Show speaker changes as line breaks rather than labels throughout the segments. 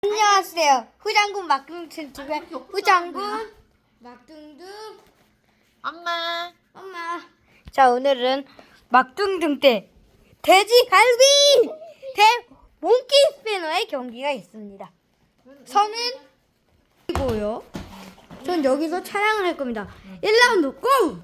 안녕하세요. 후장군 막둥tun집의 후장군 막둥둥
엄마.
자, 오늘은 막둥둥 때 돼지갈비 대 몽키 스패너의 경기가 있습니다. 저는 이고요. 전 여기서 촬영을 할 겁니다. 1라운드 고!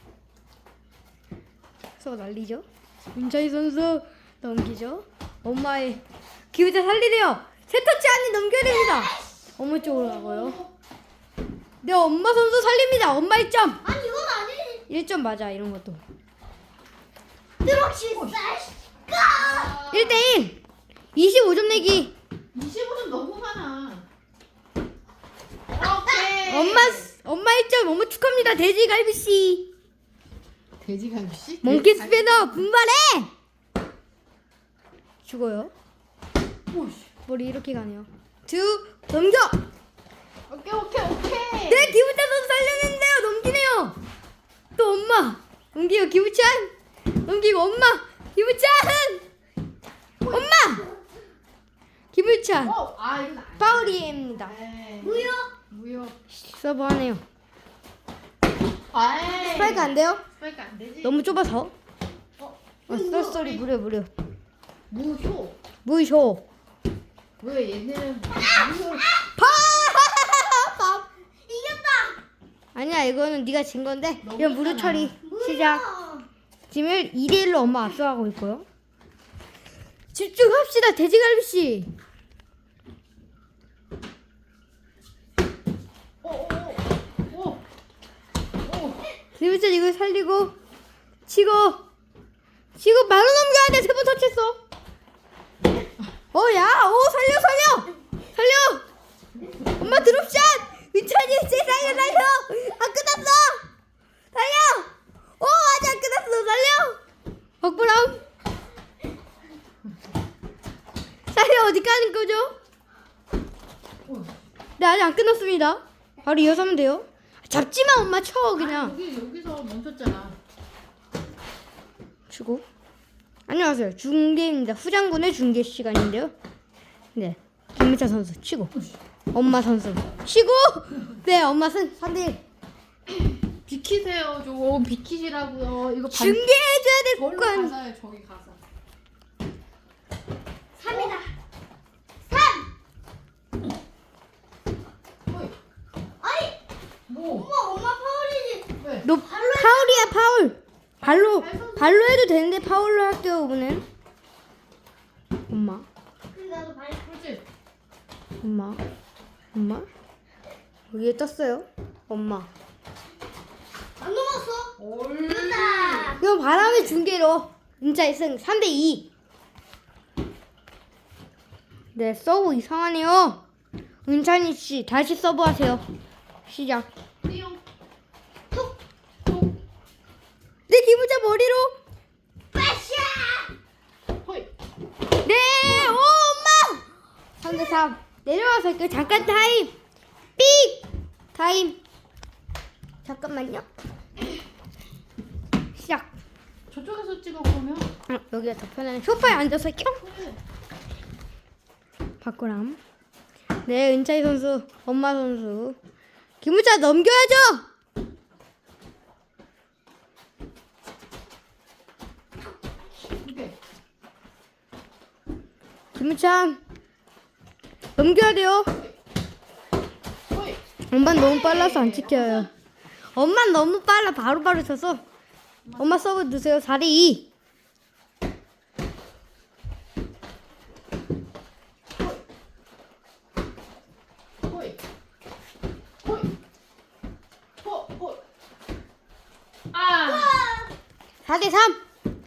서 날리죠. 윤차희 선수 넘기죠. 엄마의 기회자 살리래요. 세터치 안에 넘겨야 됩니다. 엄마 쪽으로 가고요. 네, 엄마 선수 살립니다. 엄마 1점.
아니 이건 아니지.
1점 맞아, 이런 것도.
드럭시 쌀까?
1대1. 25점 내기.
25점 너무 많아. 오케이.
엄마 1점. 엄마 축하합니다. 돼지갈비씨.
돼지갈비씨?
몽키 스패너 분발해. 죽어요.
오씨.
머리 이렇게 가네요. 넘겨.
오케이.
네, 기부찬 선수 살렸는데요. 넘기네요. 또 엄마. 넘기고 기부찬. 넘기고 엄마. 기부찬. 엄마. 기부찬.
이건 아니야.
파울입니다.
에이. 무효.
서브 하네요.
아이.
스파이크 안 돼요?
스파이크 안 되지.
너무 좁아서.
어.
쏠쏠이 무려.
무효.
무효.
왜 얘네는 무효?
이겼다.
아니야, 이거는 네가 진 건데.
너무
이건 무료
했잖아.
처리. 시작. 지금 2대1로 엄마 앞서가고 있고요. 집중합시다, 돼지갈비씨.
오.
기부찬 이거 살리고 치고 바로 넘겨야 돼. 3번 터치했어. 살려. 엄마 드롭샷. 위찬이 세상에 살려. 안 끝났어. 살려. 아직 안 끝났어. 살려. 박보람. 살려. 어디 가는 거죠? 네, 아직 안 끝났습니다. 바로 이어서 하면 돼요. 잡지마. 엄마 쳐 그냥.
여기서 멈췄잖아.
주고. 안녕하세요. 중계입니다. 후장군의 중계 시간인데요. 네. 김민찬 선수 치고. 엄마 선수 치고. 네, 엄마 승. 3대1.
비키세요. 좀 비키시라고요. 이거
중계해줘야 될
저기로
건.
가서요. 저기 가서.
3이다. 3.
어이.
아니
뭐?
엄마 파울이지.
왜?
너 파울이야, 파울. 발로 해도 되는데 파울로 할게요, 이번엔. 엄마.
근데 나도 발.
그렇지.
엄마. 여기에 떴어요. 엄마.
안 넘었어.
올.
이겼다.
이건 바람의 중계로. 진짜 승 3대2. 네, 서브 이상하네요. 은찬이 씨, 다시 서브 하세요. 시작.
띠용.
톡.
네, 기부자 머리로.
빠샤.
호이.
네, 엄마. 3대3. 내려와서 할게요. 잠깐 타임. 삑. 타임. 잠깐만요. 시작.
저쪽에서 찍어 보면.
여기가 더 편하네. 소파에 앉아서 할게요. 박구람. 네, 은차이 선수, 엄마 선수. 김우자 넘겨야죠.
오케이.
김우찬 넘겨야 돼요.
호이.
엄마 너무 빨라서 안 지켜요. 엄마 너무 빨라. 바로바로 쳐서. 엄마 서브 넣으세요. 4대2.
호이. 호이. 호이. 아.
4대3.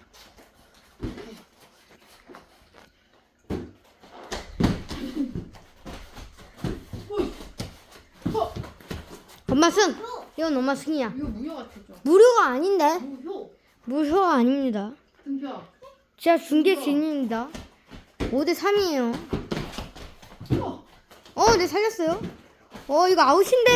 호이. 호.
엄마 승. 이건 엄마 승이야.
이거 무효 같죠?
무료가 아닌데.
무효.
무효가 아닙니다.
등표.
진짜 중계 진입니다. 5대3이에요. 네, 살렸어요. 이거 아웃인데.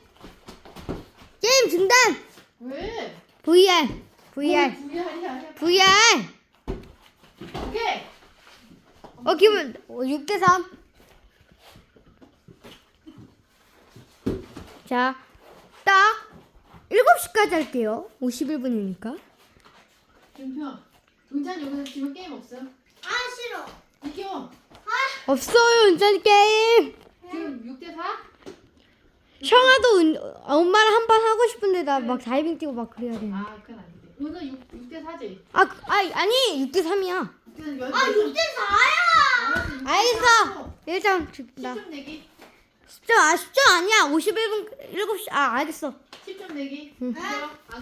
게임 중단.
왜?
VR.
VR이야.
VR.
오케이.
기분 6대3. 자, 딱 7시까지 할게요. 51분이니까.
준표. 은찬 여기서 지금 게임 없어요?
아 싫어.
이겨.
없어요, 은찬이 게임.
지금 6대4?
엄마랑 한 판 하고 싶은데 나 막 다이빙 뛰고 막 그래야 돼.
아, 그건 아니지. 오늘 6대4지?
아니 6대3이야.
아 6대4야.
알겠어. 1점 준다.
10점 내기.
10점 아니야. 51분 7시. 알겠어.
10점 내기.
응.
이겨.